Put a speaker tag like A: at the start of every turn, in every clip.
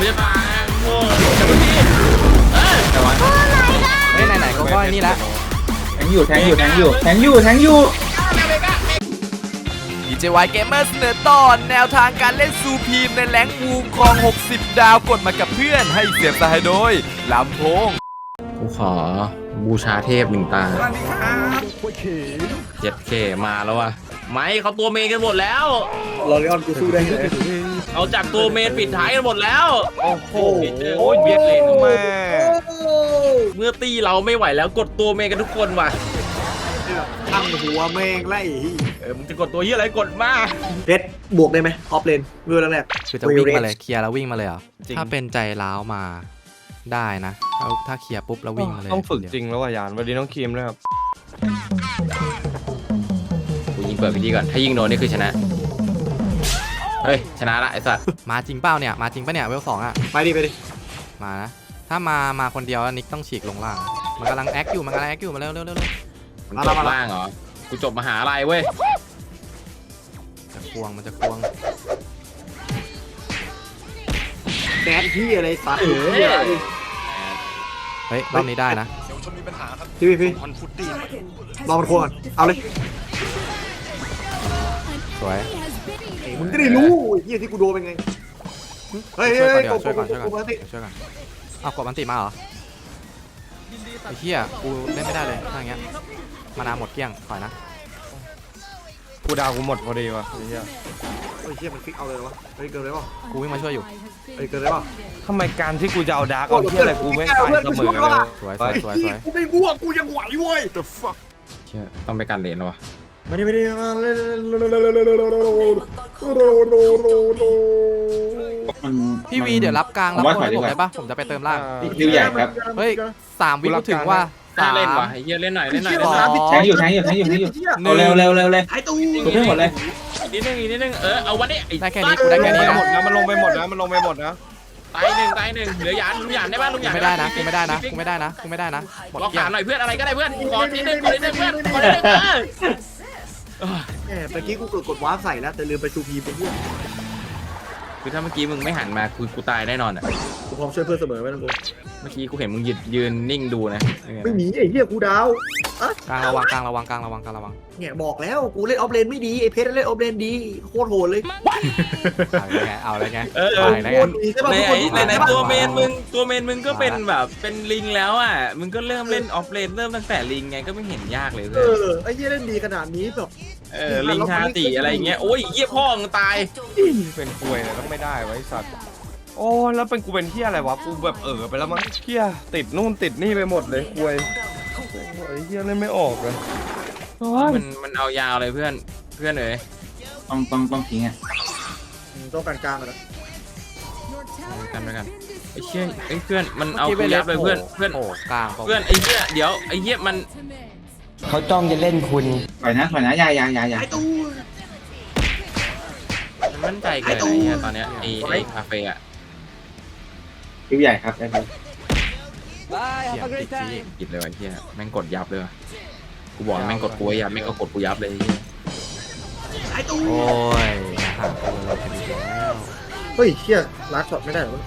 A: จะตายโง่แต่เมื่อกี้
B: แต่ว่า
C: ไหนก็ก้อยนี่ละ
B: แทงอยู่
C: DJY Gamer เสนอตอนแนวทางการเล่นซูพีมในแรงวูครอง60 ดาวกดมากับเพื่อนให้เสียบสายโดยลำโพง
A: กูขอบูชาเทพหนึ่งตา7K มาแล้วว่ะไม่เขาตัวเมนกันหมดแล้ว
D: ลอริออนกูสู้ได้ไง
A: เอาจากตัวเมนปิดท้ายกันหมดแล้วโอ้โหโอ้ยเบียดเลนแม่เมื่อตีเราไม่ไหวแล้วกดตัวเมนกันทุกคนว่ะ
D: ตั้งหัวแม่งไล่
A: มึงจะกดตัวยี่อะไรกดมา
D: เพชรบวกได้ไหมออฟเลนเมื่อแรก
C: คือจะวิ่งมาเลยเคลียร์แล้ววิ่งมาเลยเหรอถ้าเป็นใจร้าวมาได้นะถ้าเคลียร์ปุ๊บแล้ววิ่งมาเลย
E: ต้องฝึกจริงแล้วว่ะยานวันนี้ต้องคีมด้วยครับ
A: กูยิงเปิดพิธีก่อนถ้ายิงโดนนี่คือชนะเฮ้ยชนะละไอ้สัตว์
C: มาจริงเปล่าเนี่ยมาจริงปะเนี่ยเวล2อ่ะ
D: ไปดิ
C: มานะถ้ามาคนเดียวนิกต้องฉีกลงล่างมันกำลังแอคอยู่มาเร็ว
A: มันจบล่างเหรอกูจบมหาลัยเว้ย
C: มันจะควง
D: แดดที่อะไรสัตว์
C: เฮ้ยรอบนี้ได้นะ
D: พี่รอมันควงเอาเลย
C: สวย
D: มึงจะได้รู้ที่กูโดนเป็นไงเฮ้ย
C: ช่วยก่อนเอากดมันติมาเหรอไอ้เหี้ยกูเล่นไม่ได้เลยถ้าอย่างเงี้ยมานาหมดเกลี้ยงถอยนะ
E: กูดาวกูหมดพอดีวะไอ้เหี้
D: ยมันฟิกเอาเลยวะเกินเลยป่ะ
C: กูวิ่งมาช่วยอยู่
D: เกินเลยป่ะ
E: ทำไมการที่กูจะเอาดาร์กเอาเหี้ยอะไรกูไม่ตายเสมอกันเลย
C: สวย
D: กูไม่บวกกูยังไหวเว้ย
A: the fuck ต้องไปการเลนวะ
D: ไม่ได้
C: พี่วีเดี๋ยวรับกลางแล้วคนให้ผมได้ปะผมจะไปเติมล่าง
B: ริวใหญ่ครับ
C: เฮ้ย3 วิก็ถึงว่า
A: เล่นว่ะไอ้เหี้ยเล่นหน่อย
B: แทงอยู่เลย
D: ไอ้ตู้
B: ถูกให้หมดเลย
A: นิดนึงเอาวันนี้
C: ได้แค่นี้กูได้แค่นี้
E: หมดนะมันลงไปหมดนะ
A: ตายหนึ่งเหลือหยานลุงหยานได้ป่ะลุงหยาน
C: ไม่ได้นะกูไม่ได้นะ
A: หมดเกี่ยวหน่อยเพื่อนอะไรก็ได้เพื่อนขอนิดนึงเพื่อนขอนิดนึง
D: เมื่อกี้กูกดวาร์ปใส่แล้วแต่ลืมไปชูพีไปเพื่อน
A: คือถ้าเมื่อกี้มึงไม่หันมากูตายแน่นอนอ่ะ
D: กูพร้อมช่วยเพื่อนเสมอไม่ต้องกลัว
A: เมื่อกี้กูเห็นมึงยืนนิ่งดูนะ
D: ไม่มีไอ้เหี้ยกูดาว
C: กลางระวัง
D: เนี่ยบอกแล้วกูเล่นออฟเลนไม่ดีไอ้เพชรเล่นออฟเลนดีโคตรโหดเลย
C: เอาอะไรไง
A: ในตัวเมนมึงก็เป็นแบบเป็นลิงแล้วอ่ะมึงก็เริ่มเล่นออฟเลนเริ่มตั้งแต่ลิงไงก็ไม่เห็นยากเลยเพื่
D: อนไอ้เหี้ยเล่นดีขนาดนี้แบบ
A: ลิงชาติอะไรเงี้ยโอ้ยเหี้ยพ่อมึงตาย
E: เป็นควยเลยต้องไม่ได้ไว้สัตว์โอ้แล้วเป็นกูเป็นเหี้ยอะไรวะกูแบบไปแล้วมั้งเหี้ยติดนู่นติดนี่ไปหมดเลยควยไอ้เหี้ยเล่นไม่ออกเลย
A: มันเอายาวเลยเพื่อนเอ๋ย
B: ต้องทิ้งอ่ะ
D: ต้องกลางเลย
A: กันไอ้เชี่ยไอ้เพื่อนมันเอากูยับเลยเพื่อน
C: โอ้กลาง
A: เพื่อนไอ้เหี้ยเดี๋ยวไอ้เหี้ยมัน
E: เขาจ้องจะเล่นคุณ
B: ถอยนะยาย
A: มันมั่นใจเกินไอ้เหี้ยตอนเนี้ยไอ้คาเฟ่อะ
B: ริวใหญ่ครับได้ครับ
A: กินเลยไอ้เหี้ยแม่งกดยับเลยกูบอกแม่งกดกูยับแม่งก็กดกูยับเลย
D: ไอ้ตู้
C: โอ้ยห่างตัวเราเป็นแล้ว
D: เฮ้ยเชี่ยลัดช็อตไม่ได้หรอ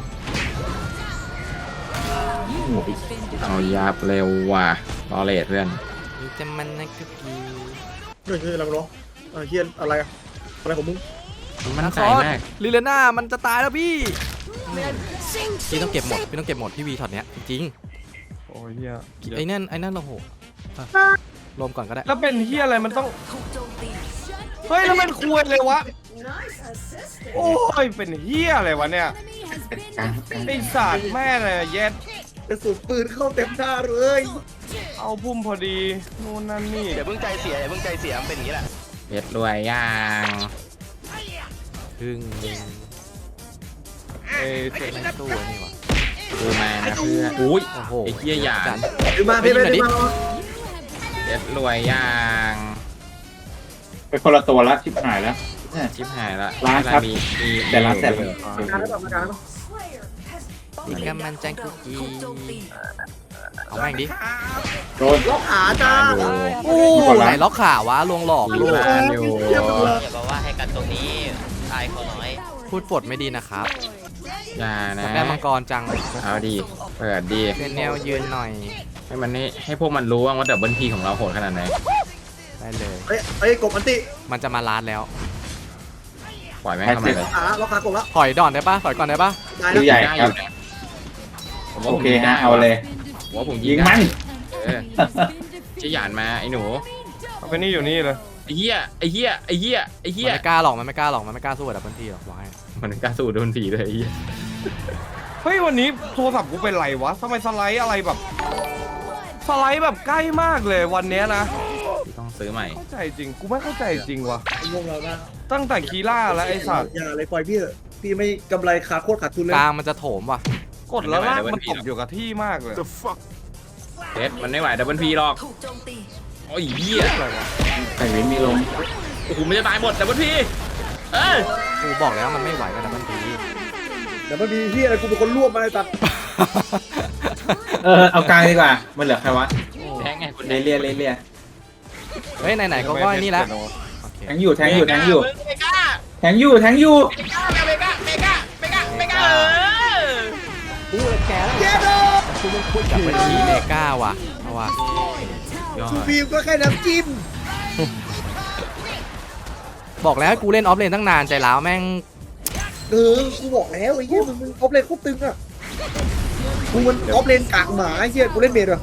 A: เอายับเร็วว่ะรอเลทเพื่อน
C: จะมันนะกุ๊กี้
D: เฮ้ยอะไรกันเนาะเชี่ยอะไรของมึง
A: มันใจมาก
C: ลิเลน่ามันจะตายแล้วพี่ต้องเก็บหมดพี่วีช็อตเนี้ยจริง
E: โอ้ยเฮีย
C: ไอ้นั่นโอ้โหรวมก่อนก็ได้
E: แล้วเป็นเฮียอะไรมันต้องเฮ้ยแล้วมันควรเลยวะโอ้ยเป็นเฮียอะไรวะเนี่ยไอ้สัตว์แม่เลยเย็ด
D: กระสุนปืนเข้าเต็มหน้าเลย
E: เอาพุ่มพอดีนู่นนั่นนี่
D: เดี๋ยวเพิ่งใจเสียมันเป็นอย่างนี้แหละ
A: เบ็ดรวยย่าง
C: พึ่งเสร็จในตู้นี่วะ
A: ดูมานะเพื่อนอุ้ยไอ้เหี้ยหยาด
D: ดูมาพี่ดิ
A: เบ็ดรวยย่าง
B: ไปคนละตัวละชิบหายแล้วร้านครับแต่ร้านแสบ
C: กันมันจังกุกี้เอาแม่งดิ
B: โดน
D: ล็อกขาจ้า
C: โอ้ไหนล็อกขาวะลวงหลอกลูก
F: อย่าบอกว่าให้กันตรงนี้ตายเขาน้อย
C: พูดปดไม่ดีนะครับ
A: อย่านะ
C: ได้มังกรจัง
A: เอาดีเปิดดี
C: เซนเนลยืนหน่อย
A: ให้มันนี่ให้พวกมันรู้ว่าดับเบิลพีของเราโหดขนาดไหน
C: ได้เลย
D: เอ้ยกบอันติ
C: มันจะมาลาดแล้ว
A: ปล่อยแม่งเข้ามาเลย
D: ล็อกขากบแล้ว
C: ถอยดอนได้ปะถอยก่อนได้ปะ
D: ได้
B: คิวใหญ่ครับ
A: ผมว่า
B: โอ
A: ผม
B: เค
A: ยิงได้
B: ฮะเอาเลย
A: ผมว่าผมยิ
B: ยิ
A: ง
B: ง
A: ได้
B: มัน
A: เออจะหยานมาไอ้หนู
E: เอาไปนี่อยู่นี่เลย
A: ไอ้เหี้ยไอ้เหี้ยไอ้เหี้ยไอ้
C: มัน
A: เหี้ย
C: ไม่กล้าหรอกมันไม่กล้าหรอกมันไม่กล้าสู้กับดับเบิลทีหรอกบอกให้
A: มันกล้าสู้โดนผีเลยไอ้เหี้ย
E: เฮ้ยวันนี้โทรศัพท์กูเป็นไรวะทำไมสไลด์อะไรแบบสไลด์แบบใกล้มากเลยวันเนี้ยนะ
A: ต้องซื้อใหม่
E: เข้าใจจริงกูไม่เข้าใจจริงวะ
D: งงแล้วนะ
E: ตั้งแต่คีล่าแล้วไอ้สัตว์
D: อย่าเลยปล่อยพี่เถอะพี่ไม่กำไรขาโคตรขาดทุนเลย
C: กลางมันจะโถมว่ะ
E: กดแล้วลากมันตกอยู่กับที่มากเลย
A: เด็ดมันไม่ไหวดับเบิลพีหรอกโอ้ยเหี้ย
B: ไข่เว้นมีลง
A: โอ้โหมันจะตายหมดดับเบิลพีเอ้ย
C: กูบอกแล้วมันไม่ไหวกับดับเบิลที
D: เดี๋ยวมันมีที่อะไรกูเป็นคนรวบมาเลยตัด
B: เอากลางดีกว่า มันเหลือใครวะ
A: แทงไงคุณ
B: เลีย
C: เฮ้ยไหนๆก็ว่านี่แล้วโอเค
B: แทงอยู่แทงอยู่
A: เมกา
B: แทงอยู่
A: เมกา
B: แทงอยู่แทงอยู่
A: เมกาเมกาเมกาเมกาเมกาเออ
D: เย้เลย
C: ดับเบิลทีเมกาว่ะเอาว่ะ
A: ยอด
D: ชูฟิล์มก็แค่น้ำจิ้ม
C: บอกแล้วให้กูเล่นออฟเลนตั้งนานใจร้าวแม่ง
D: กูบอกแล้วไอ้เหี้ยมึงออฟเลนโคตรตึงอ่ะกูมันออฟเลนกากหมาไอ้เหี้ยกูเล่นเมดเหรอก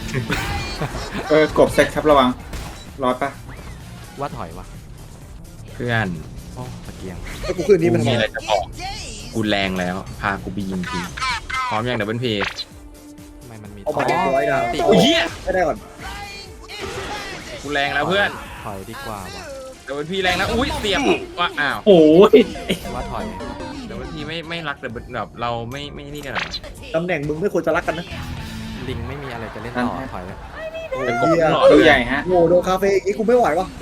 B: บเซ็ตครับระวังรอดปะ
C: ว่าถอยว่ะ
A: เพื่อน
C: โอ้ตะเกียง
D: ไอ้กูคืนนี้มัน
A: กูมีอะไรจะบอกกูแรงแล้วพากูไปยิงทีพร้อมยังดับเบิลพี
C: ทำไมมันมี
D: เอามาเก็บร้อยดาว
C: ติ
A: โอ้ยเหี้ย
D: ไม่ได้ก่อน
A: กูแรงแล้วเพื่อน
C: ถอยดีกว่าว่ะ
A: ดับเบิลพีแรงแล้วอุ้ยเสียบว่าอ้าว
B: โอ้ย
C: ว่าถอย
A: ดับเบิลพีไม่รักดับเบิลแบบเราไม่นี่กันหรอ
D: ตำแหน่งมึงไม่ควรจะรักกันนะ
C: ลิงไม่มีอะไรจะเล่นต่อถอยเลย
D: โอ้
A: เป็น
D: ย
A: กบ
D: เหี้ย
A: หลอด
B: คิวใหญ่ฮะ
D: โง่โดนคาเฟ่อีกกูไม่ไหววะ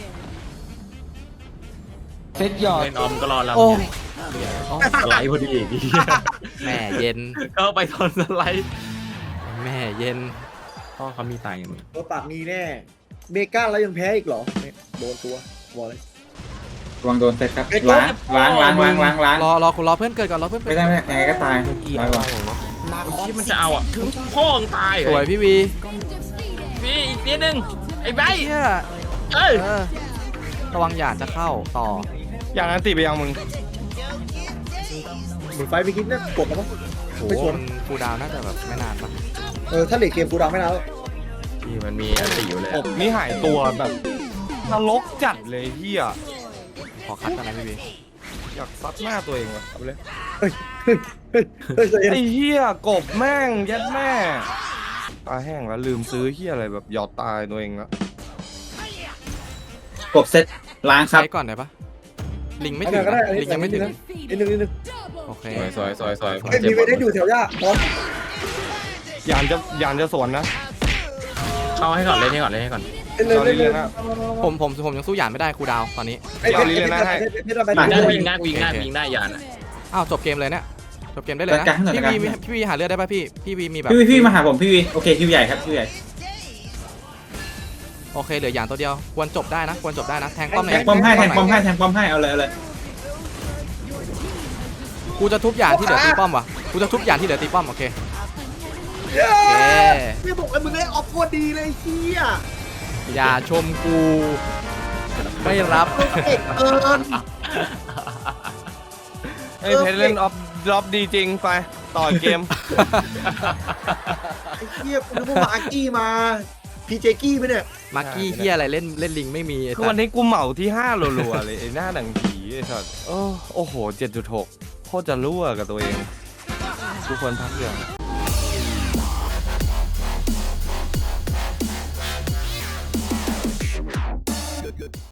B: เซ็ตหยอด
A: เล่นออมก็รอเรา
C: โอ้
A: สไลด์พอดีอีก
C: แม่เย็น
A: ก็ไปตอนสไลด์
C: แม่เย็น
A: พ่อเขามีตังค์อย่างนี้
D: ตัวปากมีแน่เมกาแล้วยังแพ้อีกเหรอเนี่ยโดนตัวบอกเลย
B: ระวังโดนเซ็ตครับล้าง
C: รอคุณรอเพื่อนเกิดก่อนรอเพื่อน
B: ไม่ได้ไม่ได้ยังไงก็ตายร้อยกว่า
A: ที่มันจะเอาอ่ะพ่อมึงตาย
C: สวยพี่วี
A: พี่อีกนิดนึงไอ้ใบ
C: เฮีย
A: เอ้ย
C: ระวังหยาดจะเข้าต่อ
E: อย่างนั้นติไปยังมึง
D: เหมือนไฟไปคิดนะกดแล้วมั้ง
C: โห
D: ไม่ชน
C: มันฟูลดาวน์น่าจะแบบไม่นานปะ
D: ถ้าเหล็กเกมกูดังไม่นานแล้ว
A: พี่มันมีอันติอยู่เลย
E: อบนี่หายตัวแบบนรกจัดเลยเฮีย
C: ขอคัดกันนะพี่วี
E: อยากซัดหน้าตัวเองว่ะเอาไปเลย
D: เฮ้ยใจเย็น
E: ไอ้เฮียกบแม่งยัดแม่ตาแห้งแล้วลืมซื้อเฮียอะไรแบบหยอดตายตัวเองแล้ว
B: กบเซ็ตล้างครับ
C: ใช้ก่อนได้ปะลิงไม่
D: ไม่
C: ถึ
D: ถึ
C: ง
D: งก็ได้
C: นะลิงยังไม่ถึง
D: นิดนึง
C: โอเค
A: สวย
D: เฮ้ยมีเวทได้อยู่แถวย่าพร้อม
E: ยานจะสวนนะ
A: เข้าให้ก่อนเล่นให้ก่อน
D: เล่นเลย
E: เอาเรื่อยๆนะ
C: ผมยังสู้หยาดไม่ได้คูลดาวน์ตอนนี้
D: ไอ้เพชรเพชรไป
A: ได้วิ่งได้ยานอ่ะ
C: อ้าวจบเกมเลยเนี่ยจบเกมได้เลยนะพี่วีหาเลือดได้ปะพี่วีมีแบบ
B: พี่มาหาผมพี่วีโอเคคิวใหญ่ครับคิวใหญ่
C: โอเคเหลือหยาดตัวเดียวควรจบได้นะแทงป้อม
B: แทงป้อมให้เอาเลย
C: กูจะทุบหยาดที่เหลือตีป้อมวะกูจะทุบหยาดที่เหลือตีป้อมโอเค
D: ไม่บอกไอ้มึงได้ออฟโคตรดีเลยเฮีย
C: อย่าชมกูไม่รับ
D: เอกเอิญ
E: ไอ้เพชรเล่นออฟดรอปดีจริงไปต่อเกม
D: ไอ้เฮียกูนึกว่ามาอากี้มาพีเจกี้ไปเนี่ย
C: มาร์กี้เฮียอะไรเล่นลิงไม่มี
E: คือวันนี้กูเหมาที่5รัวๆเลยไอ้หน้าหนังผีไอ้สัสโอ้โห 7.6 โคตรจะรั่วกับตัวเองทุกคนพักเรื่อง